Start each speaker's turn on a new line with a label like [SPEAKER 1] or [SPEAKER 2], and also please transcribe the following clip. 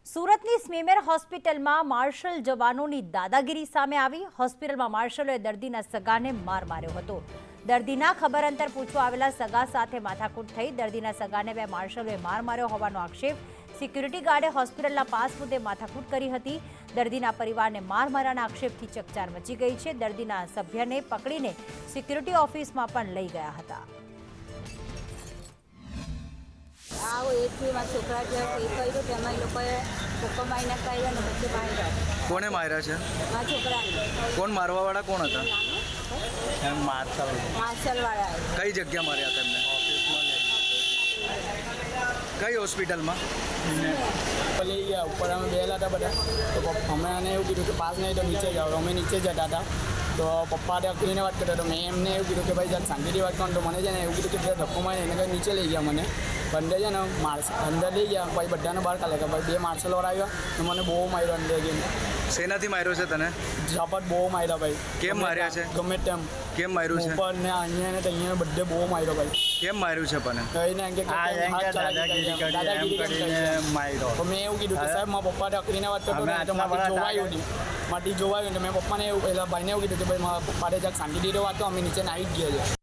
[SPEAKER 1] સુરતની સ્મીમેર હોસ્પિટલમાં માર્શલ જવાનોની દાદાગીરી સામે આવી। હોસ્પિટલમાં માર્શલોએ દર્દીના સગાને માર માર્યો હતો। દર્દીના ખબર અંતર પૂછવા આવેલા સગા સાથે માથાકૂટ થઈ। દર્દીના સગાને બે માર્શલોએ માર માર્યો હોવાનો આક્ષેપ। સિક્યુરિટી ગાર્ડે હોસ્પિટલના પાસ મુદ્દે માથાકૂટ કરી હતી। દર્દીના પરિવારને માર માર્યાના આક્ષેપથી ચકચાર મચી ગઈ છે। દર્દીના સભ્યને પકડીને સિક્યુરિટી ઓફિસમાં પણ લઈ ગયા હતા।
[SPEAKER 2] આવો એકથી મારા છોકરા જે એ કર્યું તેમાં એ લોકોએ ધક્કો મારીને કર્યો ને પછી માર્યા।
[SPEAKER 3] કોને માર્યા છે?
[SPEAKER 2] મારા છોકરાને।
[SPEAKER 3] કોણ મારવાવાળા કોણ હતા?
[SPEAKER 2] માર્શલવાળા
[SPEAKER 3] કઈ જગ્યા માર્યા તેમને? કઈ હોસ્પિટલમાં?
[SPEAKER 4] લઈ ગયા ઉપર અમે બેલા હતા બધા, તો અમે એને એવું કીધું કે પાસ નહીં તો નીચે જાઓ। અમે નીચે જતા હતા તો પપ્પા અકડીને વાત કરતા, તો મેં એમને એવું કીધું કે ભાઈ જાત શાંતિથી વાત કરો। તો મને છે ને એવું કીધું કે ધક્કો મારી એને કંઈ નીચે લઈ ગયા મને। અંદર છે ને અંદર લઈ ગયા, પછી બધાને બહાર કાઢે કે ભાઈ બે માર્શલવાળા આવ્યા તો મને બહુ માર્યો અંદર ગઈને।
[SPEAKER 3] શેનાથી માર્યો છે તને?
[SPEAKER 4] ઝાપટ બહુ માર્યા ભાઈ।
[SPEAKER 3] કેમ માર્યા છે?
[SPEAKER 4] ગમે તેમ
[SPEAKER 3] કેમ માર્યું છે?
[SPEAKER 4] ઉપર ને અહીંયા ને અહીંયા બધે બહુ માર્યો ભાઈ।
[SPEAKER 3] કેમ માર્યું છે પણ?
[SPEAKER 4] કહીને એમ કે દાદાગીરી કરીને માર્યો। તો મેં એવું કીધું કે સાહેબ મારા પપ્પા અકડીને વાત કરતો ને તો માટી જોવાયું નહીં, માટી જોવાયું ને મેં પપ્પાને એવું પહેલાં ભાઈને એવું કીધું કે ભાઈ મારા પપ્પાને જાક શાંતિથી વાત તો અમે નીચે આવી જ ગયા છે।